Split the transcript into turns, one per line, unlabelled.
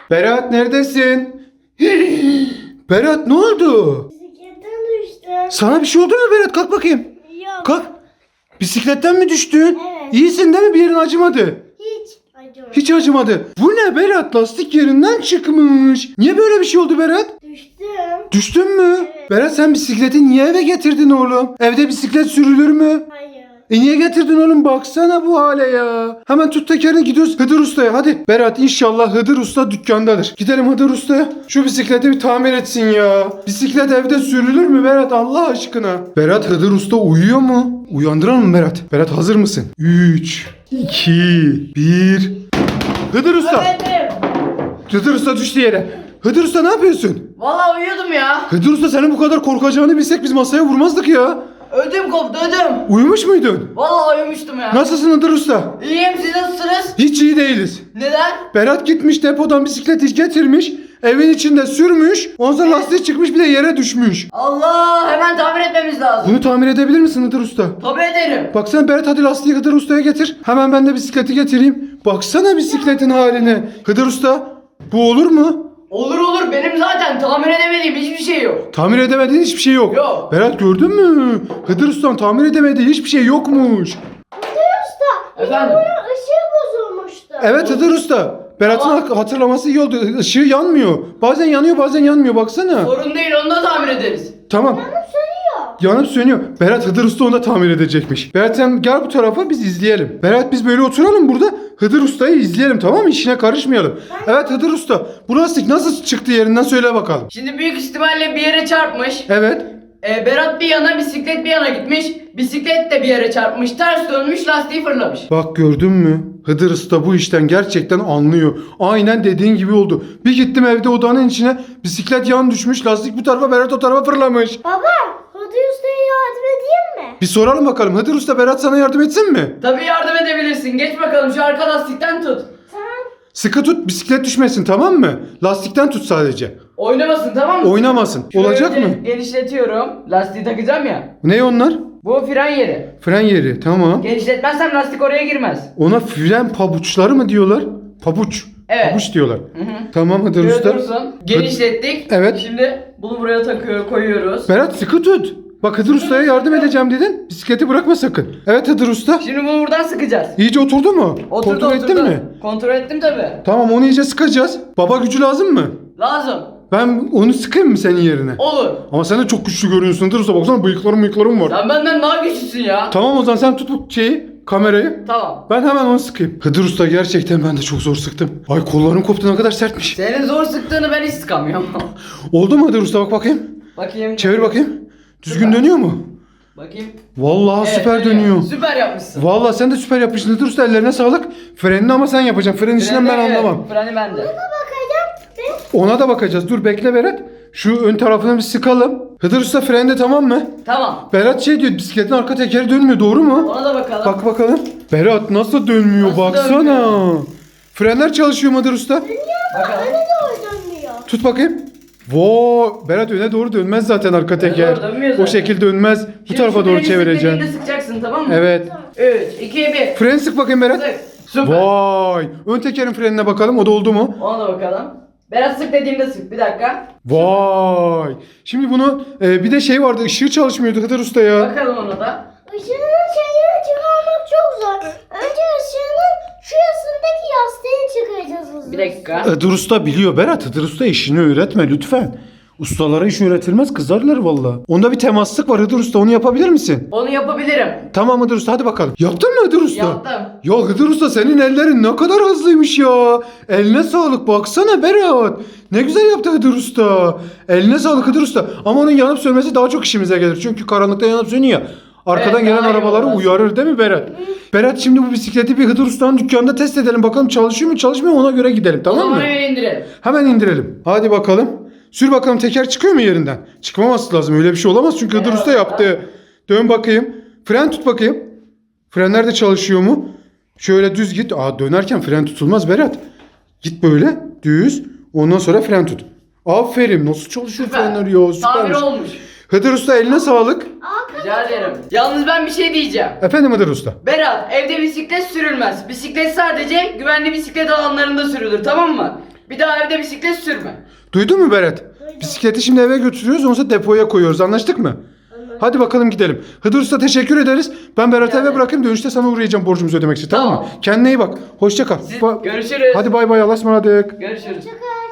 Berat neredesin? Berat ne oldu?
Bisikletten düştüm.
Sana bir şey oldu mu Berat? Kalk bakayım.
Yok.
Kalk. Bisikletten mi düştün?
Evet.
İyisin değil mi? Bir yerin acımadı.
Hiç acımadı.
Hiç acımadı. Bu ne Berat? Lastik yerinden çıkmış. Niye böyle bir şey oldu Berat?
Düştüm.
Düştün mü?
Evet.
Berat sen bisikleti niye eve getirdin oğlum? Evde bisiklet sürülür mü?
Hayır.
Niye getirdin oğlum? Baksana bu hale ya. Hemen tut tekerini gidiyoruz Hıdır Usta'ya. Hadi. Berat inşallah Hıdır Usta dükkandadır. Gidelim Hıdır Usta'ya. Şu bisikleti bir tamir etsin ya. Bisiklet evde sürülür mü Berat Allah aşkına? Berat Hıdır Usta uyuyor mu? Uyandıralım mı Berat? Berat hazır mısın? 3, 2, 1. Hıdır Usta.
Efendim.
Hıdır Usta düştü yere. Hıdır Usta ne yapıyorsun?
Vallahi uyuyordum ya.
Hıdır Usta senin bu kadar korkacağını bilsek biz masaya vurmazdık ya.
Ödüm koptu ödüm.
Uyumuş muydun?
Vallahi uyumuştum ya.
Nasılsın Hıdır Usta?
İyiyim, siz nasılsınız?
Hiç iyi değiliz.
Neden?
Berat gitmiş depodan bisikleti getirmiş. Evin içinde sürmüş. Ondan sonra lastiği çıkmış bir de yere düşmüş.
Allah, hemen tamir etmemiz lazım.
Bunu tamir edebilir misin Hıdır Usta?
Tabii ederim.
Baksana Berat hadi lastiği Hıdır Usta'ya getir. Hemen ben de bisikleti getireyim. Baksana bisikletin haline. Hıdır Usta bu olur mu?
Olur olur, benim zaten tamir edemediğim hiçbir şey yok.
Tamir edemediğin hiçbir şey yok.
Yok.
Berat gördün mü? Hıdır Usta'nın tamir edemediği hiçbir şey yokmuş.
Hıdır Usta.
Efendim?
Bunun ışığı bozulmuştu.
Evet Hıdır Usta. Berat'ın
Tamam.
hatırlaması iyi oldu. Işığı yanmıyor. Bazen yanıyor bazen yanmıyor baksana.
Sorun değil, onu da tamir ederiz.
Tamam.
Yanıp sönüyor.
Yanıp sönüyor. Berat Hıdır Usta onu da tamir edecekmiş. Berat sen gel bu tarafa biz izleyelim. Berat biz böyle oturalım burada. Hıdır Usta'yı izleyelim tamam mı? İşine karışmayalım. Evet Hıdır Usta. Bu lastik nasıl çıktı yerinden söyle bakalım.
Şimdi büyük ihtimalle bir yere çarpmış.
Evet.
Berat bir yana, bisiklet bir yana gitmiş. Bisiklet de bir yere çarpmış, ters dönmüş, lastiği fırlamış.
Bak gördün mü? Hıdır Usta bu işten gerçekten anlıyor. Aynen dediğin gibi oldu. Bir gittim evde odanın içine bisiklet yan düşmüş. Lastik bu tarafa Berat o tarafa fırlamış.
Baba, Hıdır Usta'ya yardım edeyim mi?
Bir soralım bakalım. Hıdır Usta Berat sana yardım etsin mi?
Tabii yardım edebilirsin. Geç bakalım, şu arka lastikten tut.
Tamam.
Sıkı tut bisiklet düşmesin tamam mı? Lastikten tut sadece.
Oynamasın, tamam mı?
Oynamasın.
Şöyle
Olacak
önce
mı?
Genişletiyorum. Lastiği takacağım ya.
Ne onlar?
Bu fren yeri.
Fren yeri tamam.
Genişletmezsem lastik oraya girmez.
Ona fren pabuçları mı diyorlar? Pabuç.
Evet.
Pabuç diyorlar.
Hı.
Tamam Hıdır
Şöyle
Usta.
dursun. Genişlettik.
Evet.
Şimdi bunu buraya koyuyoruz.
Berat sıkı tut. Bak Hıdır Usta'ya yardım edeceğim dedin. Bisikleti bırakma sakın. Evet Hıdır Usta.
Şimdi bunu buradan sıkacağız.
İyice oturdu mu?
Oturdu,
Kontrol ettin mi?
Kontrol ettim tabii.
Tamam onu iyice sıkacağız. Baba gücü lazım mı?
Lazım.
Ben onu sıkayım mı senin yerine?
Olur.
Ama sen de çok güçlü görünüyorsun Hıdır Usta. Baksana bıyıklarım var.
Sen benden daha güçlüsün ya.
Tamam o zaman sen tut bu kamerayı.
Tamam.
Ben hemen onu sıkayım. Hıdır Usta gerçekten ben de çok zor sıktım. Ay kollarım koptu ne kadar sertmiş.
Senin zor sıktığını ben hiç sıkamıyorum.
Oldu mu Hıdır Usta bak bakayım.
Bakayım.
Çevir bakayım. Düzgün
Süper.
dönüyor mu?
Bakayım.
Vallahi
Evet,
süper dönüyor.
Süper yapmışsın.
Vallahi sen de süper yapmışsın Hıdır Usta ellerine sağlık. Frenini ama sen yapacaksın. Frenin işinden ben
Evet,
anlamam.
Freni bende.
Bakacağım.
Ona da bakacağız. Dur bekle Berat. Şu ön tarafını bir sıkalım. Hıdır Usta frende tamam mı?
Tamam.
Berat şey diyor bisikletin arka tekeri dönmüyor doğru mu?
Ona da bakalım.
Bak bakalım. Berat nasıl dönmüyor
Nasıl
baksana.
dönmüyor?
Frenler çalışıyor mu Hıdır Usta?
Bakalım.
Öne doğru dönmüyor.
Tut bakayım. Voo Berat öne doğru dönmez zaten arka teker.
doğru dönmüyor
O
zaten.
şekilde dönmez. Bu
Şimdi
tarafa
şu
doğru
birinci
çevireceksin.
sıktığında sıkacaksın, tamam mı?
Evet.
3, 2, 1.
Fren sık bakayım Berat.
Sık. Süper.
Vay. Ön tekerin frenine bakalım. O da oldu mu?
Ona da bakalım. Berat sık dediğimde sık. Bir dakika.
Vay. Şimdi bunu bir de şey vardı. Işığı çalışmıyordu Hıdır Usta ya.
Bakalım ona da.
Işığının şeyini çıkarmak çok zor. Önce ışığının şurasındaki yastığını çıkaracağız hızlı.
Bir dakika.
Hıdır Usta biliyor Berat. Hıdır Usta işini öğretme lütfen. Ustalara iş öğretilmez kızarlar valla. Onda bir temaslık var Hıdır Usta onu yapabilir misin?
Onu yapabilirim.
Tamam Hıdır Usta hadi bakalım. Yaptın mı Hıdır Usta?
Yaptım.
Ya Hıdır Usta senin ellerin ne kadar hızlıymış ya. Eline sağlık baksana Berat. Ne güzel yaptı Hıdır Usta. Eline sağlık Hıdır Usta. Ama onun yanıp sönmesi daha çok işimize gelir. Çünkü karanlıkta yanıp sönüyor ya. Arkadan
Evet,
gelen
daha iyi
arabaları
olmaz.
uyarır değil mi Berat? Berat şimdi bu bisikleti bir Hıdır Usta'nın dükkanında test edelim. Bakalım çalışıyor mu çalışmıyor mu ona göre gidelim
O
tamam
zaman
mı?
hemen indirelim.
Hemen indirelim. Hadi bakalım. Sür bakalım teker çıkıyor mu yerinden? Çıkmaması lazım. Öyle bir şey olamaz çünkü Hıdır
Evet.
Usta yaptı. Dön bakayım. Fren tut bakayım. Frenler de çalışıyor mu? Şöyle düz git. Aa dönerken fren tutulmaz Berat. Git böyle düz. Ondan sonra fren tut. Aferin. Nasıl çalışıyor
Süper.
frenler ya?
Tamir
Süpermiş.
olmuş.
Hıdır Usta eline sağlık.
Rica ederim. Yalnız ben bir şey diyeceğim.
Efendim Hıdır Usta.
Berat, evde bisiklet sürülmez. Bisiklet sadece güvenli bisiklet alanlarında sürülür, tamam mı? Bir daha evde bisiklet sürme.
Duydun mu Berat? Bisikleti şimdi eve götürüyoruz, ondan sonra depoya koyuyoruz. Anlaştık mı? Hadi bakalım gidelim. Hıdır Usta teşekkür ederiz. Ben Berat'ı eve bırakayım, dönüşte sana uğrayacağım borcumuzu ödemek için. Tamam mı?
Tamam.
Kendine iyi bak. Hoşça kal.
Görüşürüz.
Hadi bay bay, Allah'a ısmarladık.
Görüşürüz.
Hoşçakal.